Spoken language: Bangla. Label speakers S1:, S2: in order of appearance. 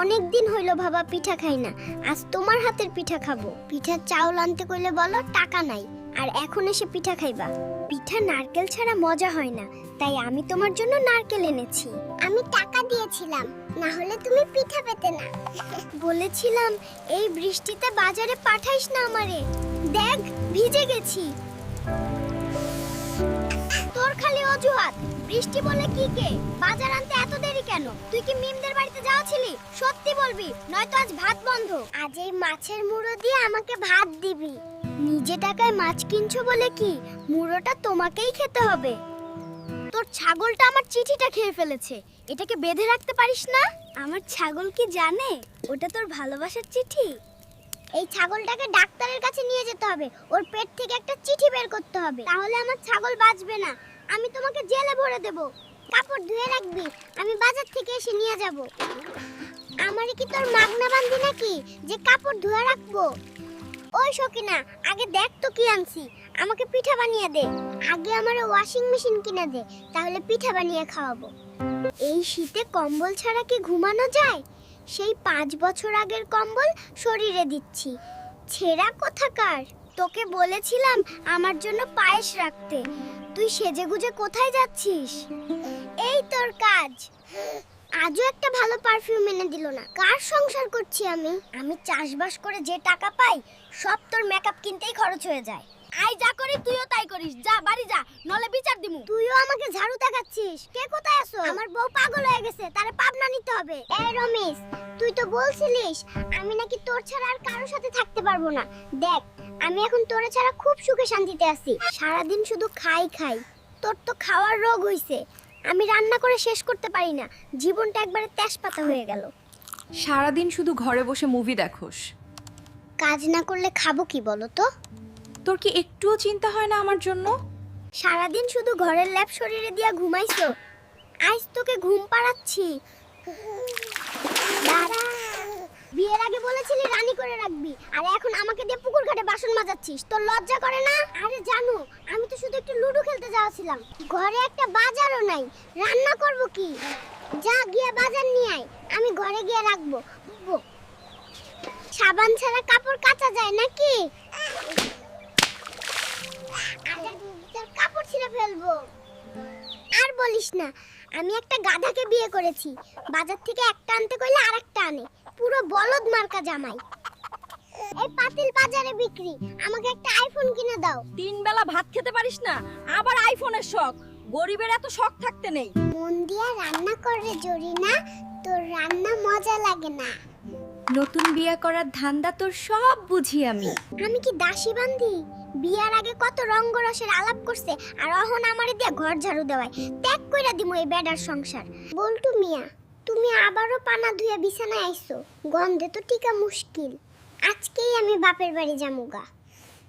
S1: অনেক দিন হইলো বাবা পিঠা খাই না, আজ তোমার হাতের পিঠা খাবো। পিঠার চাউল আনতে কইলে বলো টাকা নাই, আর এখন এসে পিঠা খাইবা। পিঠা নারকেল ছাড়া মজা হয় না, তাই আমি তোমার জন্য নারকেল এনেছি। আমি টাকা দিয়েছিলাম, না হলে তুমি পিঠা পেতে না। বলেছিলাম এই বৃষ্টিতে বাজারে পাঠাইস না আমারে, দেখ ভিজে গেছি। তোর খালি অজুহাত, বৃষ্টি বলে কি কে? বাজার আনতে এত দেরি কেন? তুই কি মিমদের বাড়িতে যাওয়াছিলি? সত্যি বলবি, নয়তো আজ ভাত বন্ধ। আজ এই মাছের মুড়ো দিয়ে আমাকে ভাত দিবি। নিজে টাকায় মাছ কিনছো বলে কি মুড়োটা তোমাকেই খেতে হবে? তোর ছাগলটা আমার চিঠিটা খেয়ে ফেলেছে, এটাকে বেঁধে রাখতে পারিস না? আমার ছাগল কি জানে ওটা তোর ভালোবাসার চিঠি? এই ছাগলটাকে ডাক্তারের কাছে নিয়ে যেতে হবে, ওর পেট থেকে একটা চিঠি বের করতে হবে, তাহলে আমার ছাগল বাঁচবে না। আমি তোমাকে জেলে ভরে দেব। কাপড় ধুয়ে রাখবি, আমি বাজার থেকে এসে নিয়ে যাব। আমারে কি তোর মাগনা বান্ধি নাকি যে কাপড় ধুয়ে রাখবো? ওই সকিনা, আগে দেখ তো কি আনছি, আমাকে পিঠা বানিয়ে দে। আগে আমারে ওয়াশিং মেশিন কিনে দে, তাহলে পিঠা বানিয়ে খাওয়াবো। এই শীতে কম্বল ছাড়া কি ঘুমানো যায়? সেই 5 বছর আগের কম্বল শরীরে দিচ্ছি। ছেঁড়া কোথাকার! তোকে বলেছিলাম আমার জন্য পায়েস রাখতে, তুই সেজেগুজে কোথায় যাচ্ছিস? এই তোর কাজ। আজও একটা ভালো পারফিউম এনে দিল না। কার সংসার করছি আমি? আমি চাষবাস করে যে টাকা পাই সব তোর মেকআপ কিনতেই খরচ হয়ে যায়। আই যা করি তুইও তাই করিস, যা বাড়ি যা, নলে বিচার দিমু। তুইও আমাকে ঝাড়ু দেখাচ্ছিস। কে কোথায় আছো? আমার বউ পাগল হয়ে গেছে, তারে পাবনা নিতে হবে। এই রমেশ, তুই তো বলছিলিস আমি নাকি তোর ছাড়া আর কারোর সাথে থাকতে পারবো না। দেখ, আমি এখন তোরে ছাড়া খুব সুখে শান্তিতে আছি। সারাদিন শুধু খাই খাই। তোর তো খাওয়ার রোগ হইছে। আমি রান্না করে শেষ করতে পারি না, জীবনটা একবারে তেজপাতা হয়ে গেল।
S2: সারাদিন শুধু ঘরে বসে মুভি দেখোস,
S1: কাজ না করলে খাবো কি বলো তো?
S2: তোর কি একটুও চিন্তা হয় না আমার জন্য?
S1: সারাদিন শুধু ঘরের ল্যাপ শরীরে দিয়া ঘুমাইছো, আজ তোকে ঘুম পাড়াচ্ছি। দাঁড়া, বিয়ের আগে বলেছিলি রানী করে রাখবি, আর এখন আমাকে দিয়ে পুকুর ঘাটে বাসন মাজাচ্ছিস। তোর লজ্জা করে না? আরে জানো, আমি তো শুধু একটু লুডো খেলতে যাওয়াছিলাম। ঘরে একটা বাজারও নাই, রান্না করব কি? যা গিয়ে বাজার নিয়ে আয়, আমি ঘরে গিয়ে রাখবো। সাবান ছাড়া কাপড় কাচা যায় নাকি? কাপড় ছিঁড়ে ফেলবো। আর বলিস না, আমি একটা গাধাকে বিয়ে করেছি। বাজার থেকে একটা আনতে কইলে আরেকটা আনে, পুরো বলদ মার্কা জামাই। এই পাতিল বাজারে বিক্রি, আমাকে একটা আইফোন কিনে দাও।
S3: 3 বেলা ভাত খেতে পারিস না, আবার আইফোনের শখ। গরিবের এত শখ থাকতে নেই।
S1: মন দিয়া রান্না করে জরিনা, তোর রান্না মজা লাগে না।
S2: নতুন বিয়ে করার ধান্দা তোর সব বুঝি আমি।
S1: আমি কি দাসী বান্ধি? বিয়ার আগে কত রঙ্গরসের আলাপ করছে, আর অহন আমারে দিয়ে ঘর ঝাড়ু দেওয়ায়। ত্যাগ কইরা দিমু এই বেডার সংসার। বলটু মিয়া, তুমি আবারও পানা ধুয়ে বিছানায় আইছো, গন্ধে তো টিকা মুশকিল। আজকেই আমি বাপের বাড়ি যামুগা।